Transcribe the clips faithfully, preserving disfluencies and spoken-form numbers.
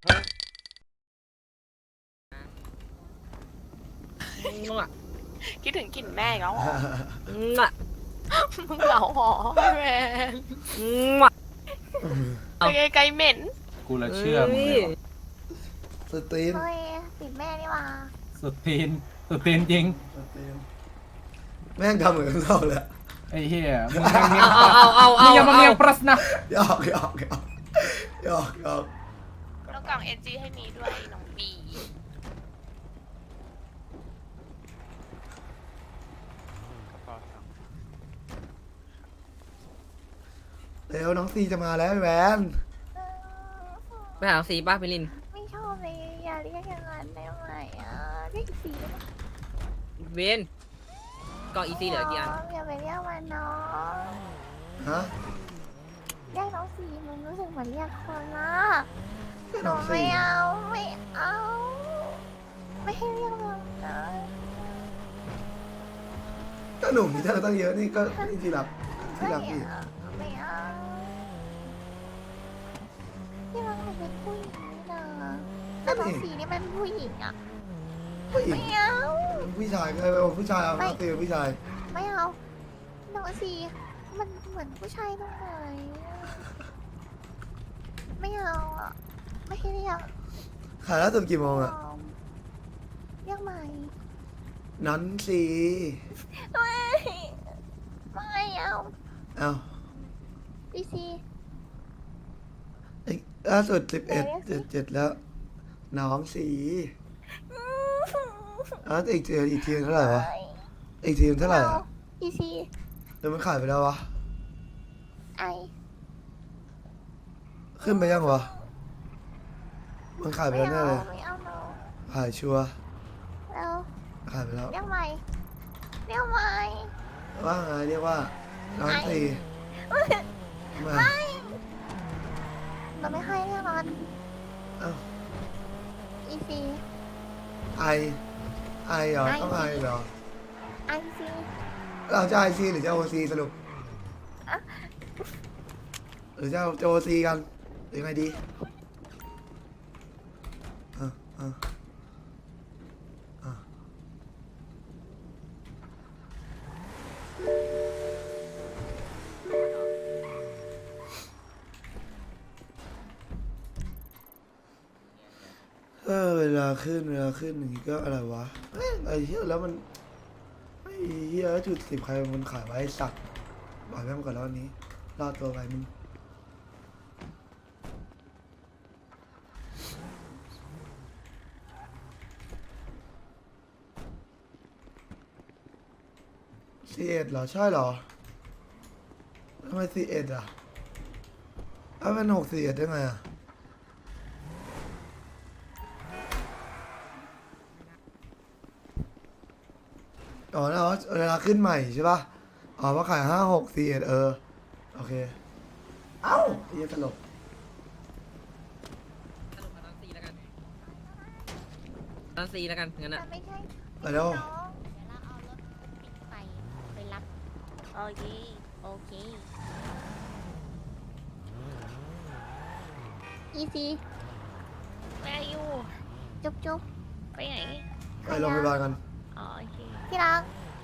คิดถึงกลิ่นแม่อีกแล้วเหรอมึงเหงาหรอแมนไปไกลๆเหม็นกูละเชื่อมึงเลยว่ะสตรีนเฮ้ยติดแม่นี่หว่าสุดตีนสุดตีนจริงสตรีนแม่งทำเหมือนเราเลยไอ้เหี้ยมึงยังเมียเอาเอาเอาเอามึงยังมาเมียปรัสนะหยอกหยอกหยอกหยอกหยอกแล้วกล่องเอ็นจีให้มีด้วยน้องบีเร็วน้องซีจะมาแล้วแหวนไปหาสีป้าพิลินไม่ชอบเลยอย่าเรียกอย่างนั้นได้ไหมอ่ะเรียกอีสีได้ไหมเวนกล่องอีซีเหลือกี่อันอย่าไปเรียกมันน้องฮะเรียกน้องสีมันรู้สึกเหมือนเรียกคนละก็หน้นูองซีไม่เอาไม่เอาไม่ให้เรียกมันนะก็หนุ่มมีเท่าไหร่ตั้งเยอะนี่ก็นี่ที่รับที่ไม่รับอีกเอาไม่เอาที่รักหนูเป็นผู้หญิงนี่นะแต่น้องสีนี่มันผู้หญิงอ่ะผู้หญิงไม่เอาผู้ชายก็เอาผู้ชายเอาไม่น้องซีเป็นผู้ชายไม่เอาน้องสีมันเหมือนผู้ชายตรงไหนไม่เอาอ่ะไม่ให้เรียกขายล่าสุดกี่โมงอะเรียกใหม่นั้นซีไม่ไม่เอาเอาพีซีไอ้ล่าสุดสิบเอ็ดเจ็ดเจ็ดแล้ว น้องสีอ่ะอีกทีอีกทีเท่าไหร่วะอีกทีเท่าไหร่อะพีซีเดี๋ยวมันขายไปแล้ววะไอขึ้นไปยังวะมันขายไปไม่แล้วแน่เอาเลยไม่เอาโนขายชัวร์แล้วขายไปแล้วเรียกใหม่เรียกใหม่ว่าไงเรียกว่าน้องตีมาเราไม่ให้เรียกมันเอ้าอีซีไอไอเหรอต้องไอเหรอไอซีเราจะไอซีหรือจะโอซีสรุปหรือจะจะโอซีกันหรือไงดีอ่ะอ่ะอ่ะเออเวลาขึ้นเวลาขึ้นอย่างนี้ก็อะไรวะเอ้ยไอ้เหี้ยแล้วมันไอ้เหี้ยจุดสิบใครมันขายไว้สักบอกแม่งก่อนแล้ววันนี้รอดตัวไปมึงซีเอ็ดเหรอใช่เหรอทำไมซีเอ็ดอ่ะถ้าเป็นหกซีเอ็ดได้ไงอ่ะอ๋อนะอ๋อเวลาขึ้นใหม่ใช่ป่ะอ๋อว่าขายห้าหกซีเอ็ดเออโอเคเอ้าไอ้เหี้ยตลกสรุปเอาน้องซีแล้วกันน้องซีแล้วกันงั้นแต่อะไม่ใช่ไปแล้วน้องเดี๋ยวเราเอารถปิดไปไปรับโอเคโอเคอีซีแม่อยู่จุ๊บจุ๊บไปไหนไปโรงพยาบาลกันอ๋อโอเคที่รัก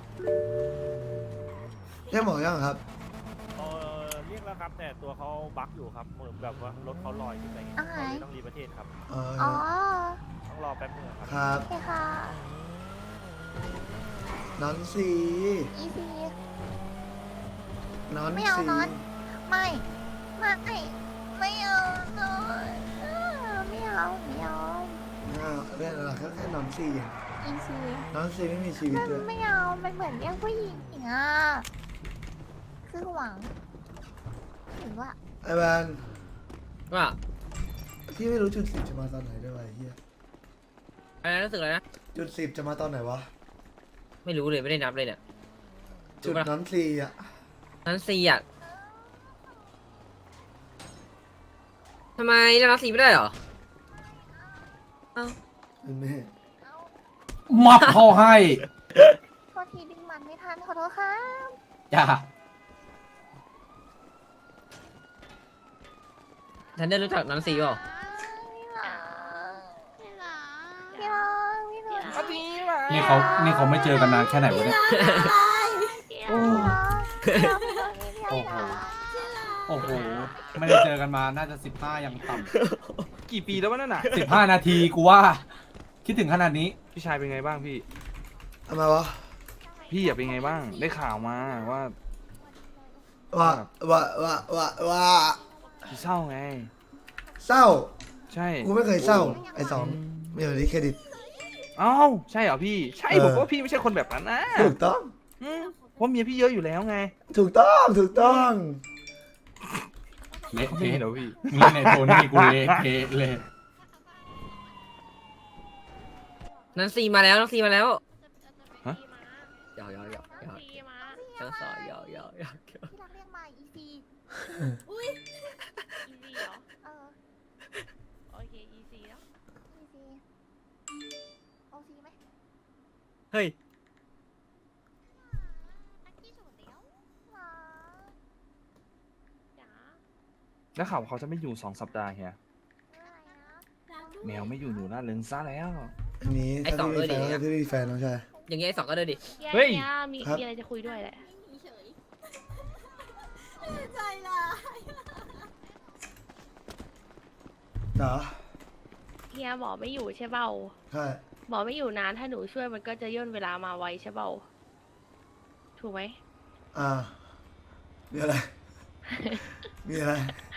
เรียกหมอยังครับเออเรียกแล้วครับแต่ตัวเขาบั๊กอยู่ครับเหมือนแบบว่ารถเขาลอยอยู่อะไรเงี้ยอ่าเขาเลยต้องรีประเทศครับเอออ๋อต้องรอแป๊บนึงครับครับโอเคค่ะนอนสีอีซีนอนไม่เอาสีนอน ไม่ไม่ไม่เอานอนเออไม่เอาไม่เอาอ้าวเรื่องอะไรแค่แค่นอนสีอ่ะอีซีนอนสีไม่มีชีวิตมันเลยไม่เอามันเหมือนเรียกผู้หญิงอ่ะคือหวังหรือว่าไอ้แวนว่าพี่ไม่รู้จุดสิบจะมาตอนไหนด้วยวะไอ้เฮียอะไรนะรู้สึกอะไรนะจุดสิบจะมาตอนไหนวะไม่รู้เลยไม่ได้นับเลยเนี่ยจุดนอนสีอ่ะน้องซีอะทำไมเรียกน้องซีไม่ได้เหรอเอ้าเป็นแม่มับเขาให้โทษทีดึงมันไม่ทันขอโทษครับจ้าฉันได้รู้จักน้องซีเปล่าไม่รักเอาทีมานี่เขานี่เขาไม่เจอกันนานแค่ไหนวะเนี่ย โอ้ โอ้โห โอ้โห ไม่ได้เจอกันมา น่าจะสิบห้ายังต่กี่ปีแล้ววะนั่นน่ะำสิบห้านาทีกูว่า คิดถึงขนาดนี้พี่ชายเป็นไงบ้างพี่ทำไมวะพี่อยากเป็นไงบ้าง ได้ข่าวมาว่าว่าว่าว่าว่าว่าพี่เศร้าไงเศร้าใช่กูไม่เคยเศร้าไอ้สองไม่เอาดิเครดิตเอ้าใช่เหรอพี่ ใช่เออผมว่าพี่ไม่ใช่คนแบบนั้นนะถูกต้องอืมเพราะเมียพี่เยอะอยู่แล้วไงถูกต้องถูกต้องเละไม่เทะเห็นเหรอพี่นี่ในโทนี่กูเละเทะเลยนันซีมาแล้วนันซีมาแล้วฮะหยอกหยอกหยอกหยอกซีมาเจ้าสาวหยอกหยอกหยอกหยอกที่รักเรียกมาอีซีอีซีเหรอเออโอเคอีซีแล้วอีซีโอซีไหมเฮ้ยอันที่สุดแล้วหรอจ๋าแล้วข่าวเขาจะไม่อยู่สองสัปดาห์เฮียอะไรนะแมวไม่อยู่หนูน่าเลิงซะแล้วอันนี้ไอ้ถ้าสองพี่มีแฟนเลยดิก็พี่มีแฟนน้องชายอย่างเงี้ยไอ้สองก็เดินดิเฮ้ยนี่มีครับมีอะไรจะคุยด้วยแหละเหรอเฮียหมอไม่อยู่ใช่เปล่าใช่หมอไม่อยู่นานถ้าหนูช่วยมันก็จะย่นเวลามาไวใช่เปล่าถูกไหมอ่ามีอะไร มีอะไร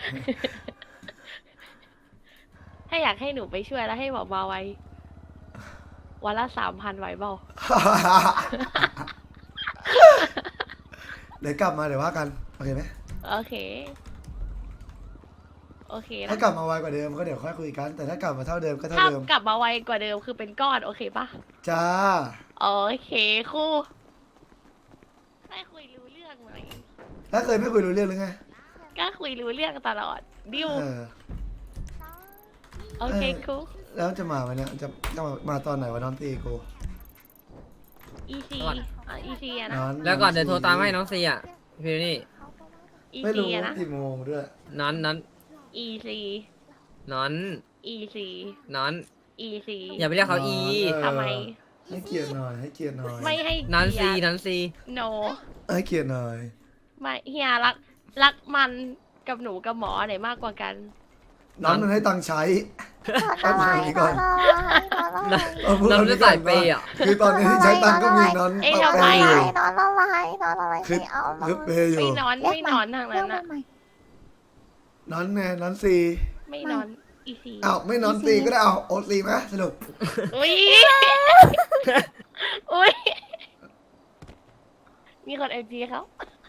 ถ้าอยากให้หนูไปช่วยแล้วให้หมอมาไววันละสามพันไหวเปล่าเดี๋ยวกลับมาเดี๋ยวว่ากันโอเคไหมโอเค โอเคนะถ้ากลับมาไวกว่าเดิมก็เดี๋ยวค่อยคุยกัน แต่ถ้ากลับมาเท่าเดิมก็เท่าถ้าเดิมกลับมาไวกว่าเดิมคือเป็นก้อนโอเคปะจ้าโอเคครูได้คุยรู้เรื่องไหมแล้วเคยไม่คุยรู้เรื่องหรือไงก็คุยรู้เรื่องตลอดดิวเออโอเคครูแล้วจะมาวันเนี้ยจะจะมามาตอนไหนวะน้องตีกูอีซีอ่ะอีซีอะนะนอนแล้วก่อนเดี๋ยวโทรตามให้น้องซีอ่ะพี่นี่อีไม่ซีรู้อะนะกี่โมงด้วยนอนนอนอีซีนอนอีซีนอนอีซีอย่าไปเรียกเขาอีเออทำไมให้เกียรติหน่อยให้เกียรติหน่อยไม่ให้นันซีเกียรตินันซีโนให้เกียรติหน่อยไม่เฮียรักรักมันกับหนูกับหมอไหนมากกว่ากันน้องมันให้ตังค์ใช้ตอนอะไรตอนอะไรตอนอะไรเออพูดเราอันจะนี้ก่ใส่อนเปว่าย์อ่ะคือตอนนี้ที่ใช้ตังค์ก็มีน้องเอ้ยปะทำเปไมย์อยู่นอนอะไรนอนอะไรคือไม่เอาเลคืยอเปย์อยู่ไม่นอนไม่นอนทางเรียนั้กนมาอะใหม่น้องไงน้องซีไม่นอนอีซีอ้าวไม่นอนซีก็ได้เอาโอซีไหมสรุปอุ้ยอุ้ยมีคนเอ็มจีเขา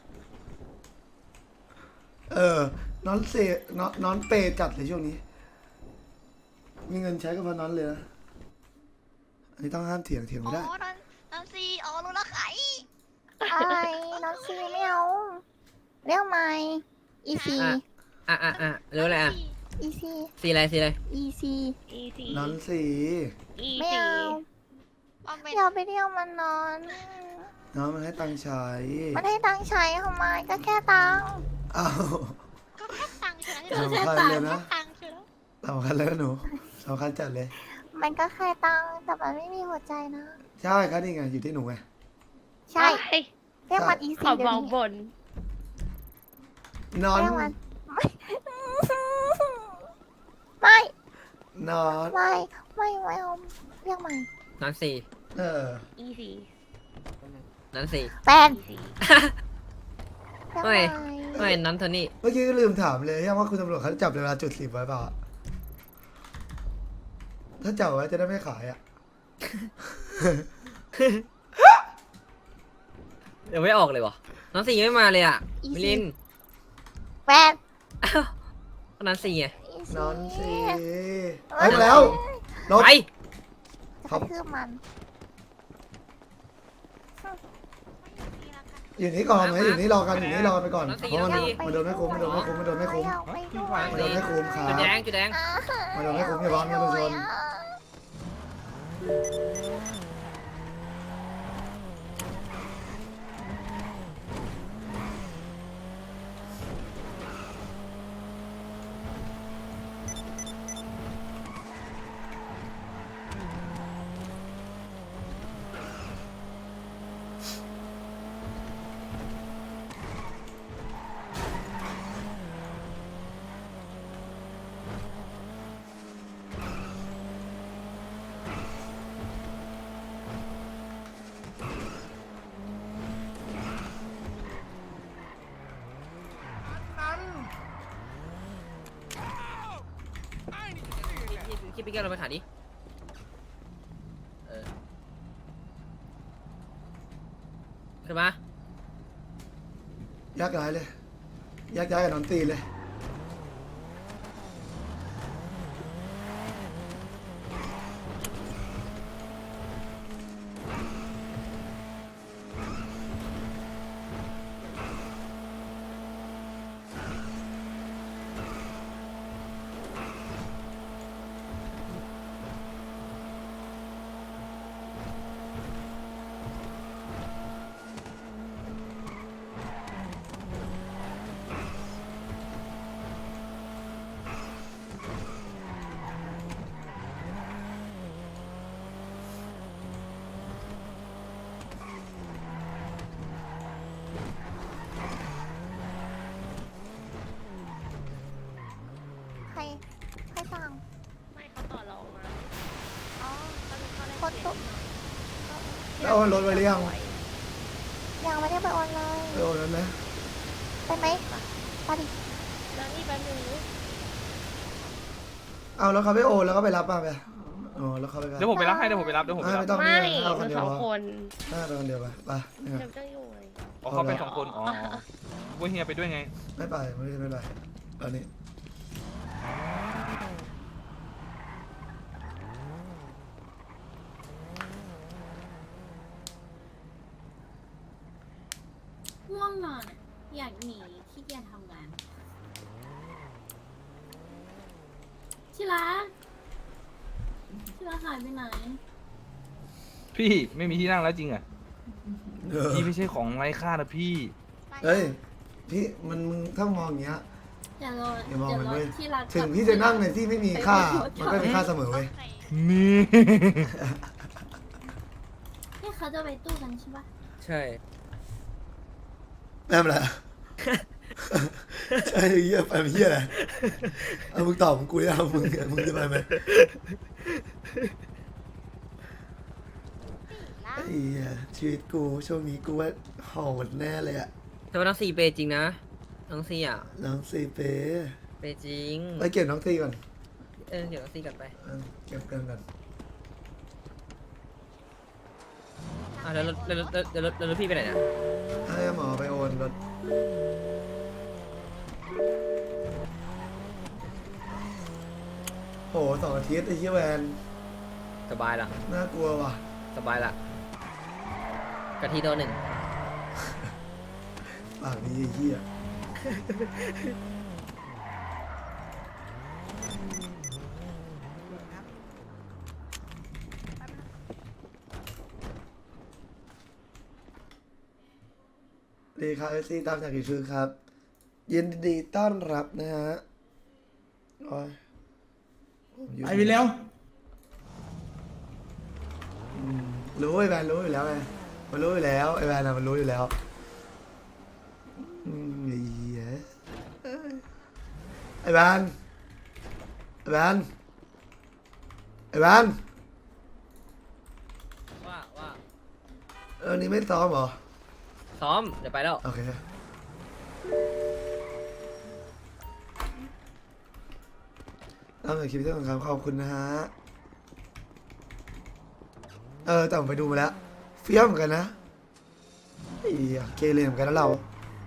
เออ น้องเซน้องน้องเปย์จัดเลยช่วงนี้ มีเงินใช้ก็เพราะน้องเลยนะ อันนี้ต้องห้ามเถียงเถียงไม่ได้นอนนอนซีอ๋อรู้แล้วใครอะไรนอนซีไม่เอาเรียกใหม่อีซีอ่ะอ่ะอ่ะเร็วเลยอ่ะอีซีซีอะไรซีอะไรอีซีอีซีน้องซีอีไม่ซีเอาอย่าไปเรียกมันนอนน้องมันให้ตังค์ใช้มันให้ตังค์ใช้ทำไมก็แค่ตังค์อ้าวก็แค่ตังค์เฉยสำคัญเลยนะตังค์เฉยสำคัญเลยนะหนูสำคัญจัดเลยมันก็แค่ตังค์แต่มันไม่มีหัวใจนะใช่ครับนี่ไงอยู่ที่หนูไงใช่เฮ้ยเรียกมันอีขซีอเดี๋ยบวอกนี้บนนอนเรียกมันไม่นอนไม่ไม่ไม่เอาเรียกใหม่นันซีเอออีซีนันซีแฟนอีซีไม่เรียกใหม่ไม่นันโทนี่เมื่อกี้ก็ลืมถามเลยว่าคุณตำรวจเขาจับเวลาจุดสิบไว้เปล่า ถ้าจับไว้จะได้ไม่ขายอ่ะเดี๋ยวไม่ออกเลยวะนันซียังไม่มาเลยอ่ะมิลินแฟนอ้าวนันซีไงอีนอนสิเอ้ไปยแล้วลบไปจะกระทืบมันอยู่นี่ก่อนไหมอยู่นี่รอกันอยู่นี่รอกันไปก่อนเพราะมันมันโดนไม่คุ้มมันโดนไม่คุ้มมันโดนไม่คุ้มอยากไปด้วยมันโดนไม่คุ้มครัจุดแดบงจุดแดงอ่ามันโดนไม่คุ้มอย่าร้อนนะทุกคนอคิดไปแก้วเราไปขายดิเออขึ้นมาแยกย้ายเลยแยกย้ายกับนอนตีเลยใครใครสั่งไม่เขาต่อรองมาอ๋อเขาเขาได้คนตุกแล้วโอนรถไว้หรือยังยังไม่ได้ไปออนเลยไปโอนแล้วไหมไปไหมไปดิแล้วนี่แป๊บนึงเอาแล้วเขาไปโอนแล้วก็ไปรับมาไปอ๋อแล้วเขาไปเดี๋ยวผมไปรับให้เดี๋ยวผมไปรับเดี๋ยวผมไปไม่รับไม่ต้องไม่นี่เอาคมัน นเดียสวองพอคนน่าไปคนเดียวไปไปเนี่ยเดี๋ยวจะอยู่ไงอ๋อเขาไปสองคนอ๋อว่าเฮียไปด้วยไงไม่ไปไม่ไม่ไปตอนนี้ง่วงนอนอะอยากหนีขี้เกียจทำงานที่รักที่รักหายไปไหนพี่ไม่มีที่นั่งแล้วจริงอ่ะเออพี่ไม่ใช่ของไร้ค่านะพี่เฮ้ยพี่มันมึงถ้ามองอย่างเงี้ยอย่ารออย่ามองอย่ามันรอเว้ยที่รักถึงพี่จะนั่งในที่ไม่มีค่า มันก็มีค่าเสมอเว้ยนี่ที่เขาจะไปตู้กันใช่ปะใช่แม่เป็นไรไอ้เหี้ยไปเป็นเหี้ยอะไรเอามึงตอบมึงกูจะเอามึงมึงจะไปไหมไอ้เหี้ยชีวิตกูช่วงนี้กูว่าโหดแน่เลยอะแต่ว่าน้องซีเปย์จริงนะน้องซีอ่ะน้องซีเป้เปย์จริงไปเก็บน้องซีก่อนเออเดี๋ยวน้องซีกลับไปเออเก็บกันก่อนอ่ะแล้วแล้วแล้วแล้วแล้วแล้วแล้วพี่ไปไหนนะให้หมอไปโอนรถโหสองอาทิตย์ไอ้เหี้ยแวนสบายละน่ากลัวว่ะสบายละกะทิตัวหนึ่งปากนี้ไอ้เหี้ยดีครับเอซีตามจากกี่ชื่อครับ ยินดีต้อนรับนะฮะโอ้ยผมอยู่ไปไปเร็วอืมรู้ไอ้แวนรู้อยู่แล้วไงมันรู้อยู่แล้วไอ้แวนอะมันรู้อยู่แล้วอืมไอ้เหี้ยไอ้แวนไอ้แวนไอ้แวนว่าว่าเออนี่ไม่ซ้อมเหรอซ้อมเดี๋ยวไปแล้วโอเคตั้งแต่คลิปที่สองครับขอบคุณนะฮะเออแต่ผมไปดูมาแล้วเฟี้ยวเหมือนกันนะไอ้เหี้ยเกเรเหมือนกันนะเรา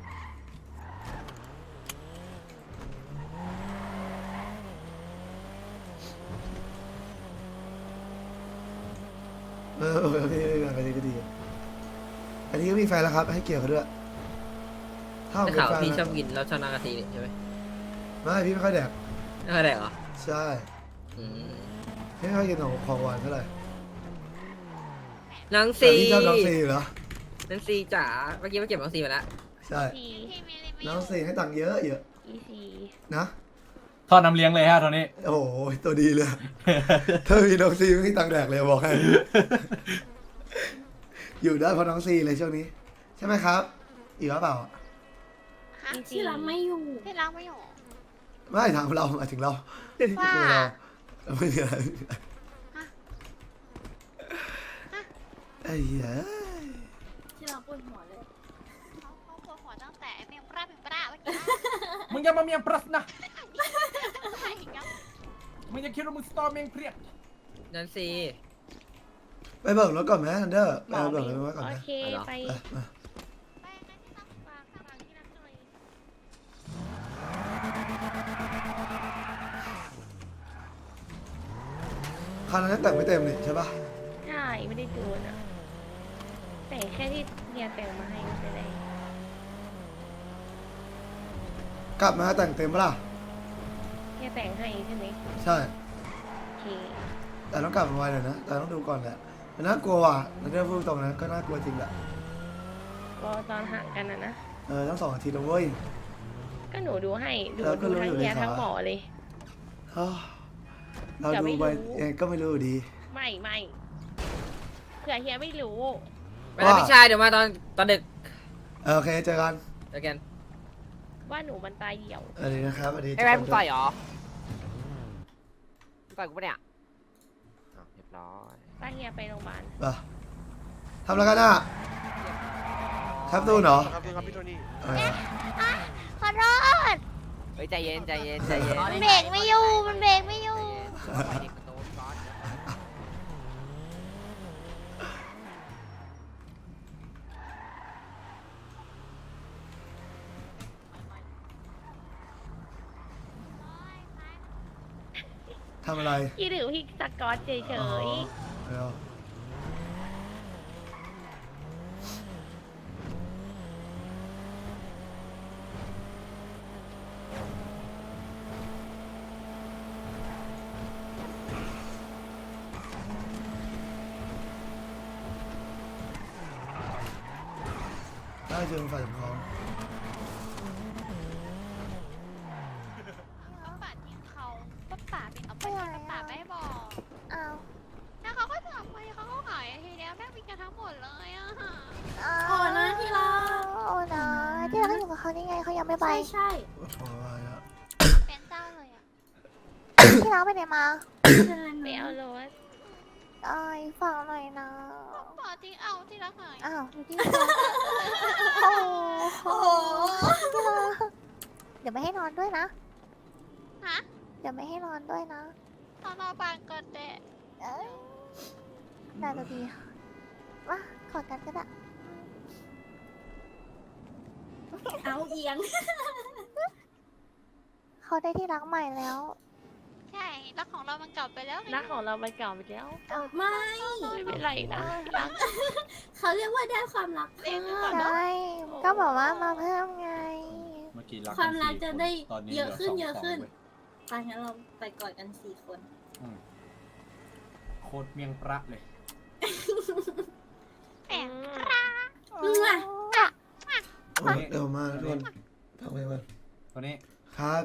เออโอเคพี่ไปดีก็ดีอันนี้ก็มีแฟนแล้วครับ ให้เกียรติเขาด้วยถ้าผมได้เป็นข่าวแฟนพี่ชอนะบกินแล้วชอบนางกะทินี่ใช่ไหมไม่พี่ไม่ค่อยแดกไม่ค่อยได้เหรอใช่อืมพี่ไม่ค่อยกินของของหวานเท่าไหร่น้องแต่ซีพี่ชอบน้องซีอยู่เหรอน้องซีจ๋าเมื่อกี้มาเก็บน้องซีมาแล้วใช่สี่น้องซีให้ตังค์เยอะเยอะอีสี่นะทอดน้ำเลี้ยงเลยฮะตอนนี้โอ้โหตัวดีเลย ถ้ามีน้องซีไม่มีตังค์แดกเลยบอกให้ อยู่ได้เพราะน้องซีเลยช่วงนี้ ใช่ไหมครับอยู่หรือเปล่าอีที่รักไม่อยู่ที่รักไม่อยู่ไม่ถามเราหมายถึงเราว่าคุยเราเราไม่มีอะไรไอ้เหี้ยที่รักปวดหัวเลยเขาเขาปวดหัวตั้งแต่ไอ้เมมปราเมมปราเมื่อกี้มึงอย่ามาเมียงปรัสนะใช่ครับมึงจะคิดว่ามึงสตอร์เมงเพรียดนั่นสิไปเบิกรถก่อนไหมทันเดอร์หไปมอเบิไม่กรถไว้ก่อนโอนะเคไปไปมาไปงั้นที่ต้องฝากฝากที่รักหน่อยคันนั้นแต่งไม่เต็มเลยใช่ปะใช่ไม่ได้จูนอ่ะแต่งแค่ที่เฮียแต่งมาให้ไม่เป็นไรกลับมาแต่งเต็มปะล่ะเฮียแต่งให้ใช่ไหมใช่โอเคแต่ต้องกลับมาไวหน่อยนะ แต่ต้องดูก่อนแหละมันน่ากลัวว่ะทันเดอร์พูดตรงนะก็น่ากลัวจริงแหละรอตอนห่างกันนะนะเออทั้งสองอาทิตย์แล้วเว้ยก็หนูดูให้ดูแล้วก็ดูรู้ทั้อยู่งเฮียในขาทั้งหมอเลยอ้าวเราเดี๋ยวดูไม่ไปรู้เองก็ไม่รู้อยู่ดีไม่ไม่เผื่อเฮียไม่รู้ไปแล้วว่าพี่ชายเดี๋ยวมาตอนตอนดึกเออโอเคเจอกันเจอกันว่าหนูมันตายเหี่ยวสวัสดีนะครับสวัสดีไอ้แม่มึงต่อยเหรอมึงต่อยกูปะเนี่ยอ้าวเรียบร้อยป้าเฮียไปโรงพยาบาลไปทำอะไรกันอ่ะแคปตูนเหรอครับพี่ครับพี่โทนี่เออขอโทษเฮ้ยใจเย็นใจเย็นใจเย็นมันเบรกไม่อยู่มันเบรกไม่อยู่ปล่อยเด็กมันโตพี่บอสทำอะไรพี่ถือพี่สกอตเฉยอ๋อเร็วได้เจอฝ่ายปกครองป่าทิ้งเขาป้าป่าเป็นเอาไปป้าป่าไม่บอกอ้าวแล้วเขาก็จะเอาไปเขาก็ขายทีเดียวแม่งมีกันทั้งหมดเลยอะค่ะโอ้นะที่รักโอ้นะที่เราอยู่กับเขาได้ไงเขายังไม่ไปใช่ใช่โอ้โหอะไรอะเป็นเจ้าเลยอะที่เราไปไหนมาเชิญๆไปเอารถไอ้ฟังหน่อยนะป่าทิ้งเอาที่รักหายอ้าวอยู่ที่โอ้โหที่รักเดี๋ยวไม่ให้นอนด้วยนะฮะเดี๋ยวไม่ให้นอนด้วยนะนอนรอบานก่อนเด็เอ้ยได้ตัวดีมากอดกันก็ได้เอาเอียงเขาได้ที่รักใหม่แล้ว ใช่รักของเรามันเก่าไปแล้วรักของเรามันเก่าไปแล้วไม่ไม่เป็นไรนะรักเขาเรียกว่าได้ความรักเพิ่มใช่ก็บอกว่ามาเพิ่มไงเมื่อกี้รักความรักจะได้ตอนนี้เยอะขึ้นหลืเยอะสงขึ้นสงเว้ยไปงั้นเราไปกอดกันสี่คนอืมโคตรเมียงประเลยแอบอืมโอ้ยเร็วมากทุกคนทำไปก่อนตัวนี้ครับ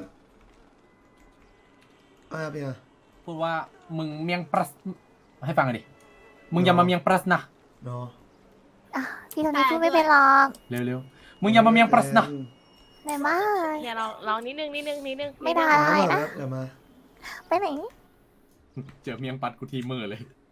อะไรอะพี่อะพูดว่ามึงเมียงปรัสให้ฟังหน่อยดิ มึงอย่ามาเมียงปรัสนะเนาะพี่ตอนนี้พูดไม่เป็นหรอกเร็วๆ มึงอย่ามาเมียงปรัสนะไหนมาเฮียเราลองนิดนึงนิดนึงนิดนึงไม่ได้มานะเดี๋ยวมาไปไหนเจอเมียงปัดกูทีมือเลย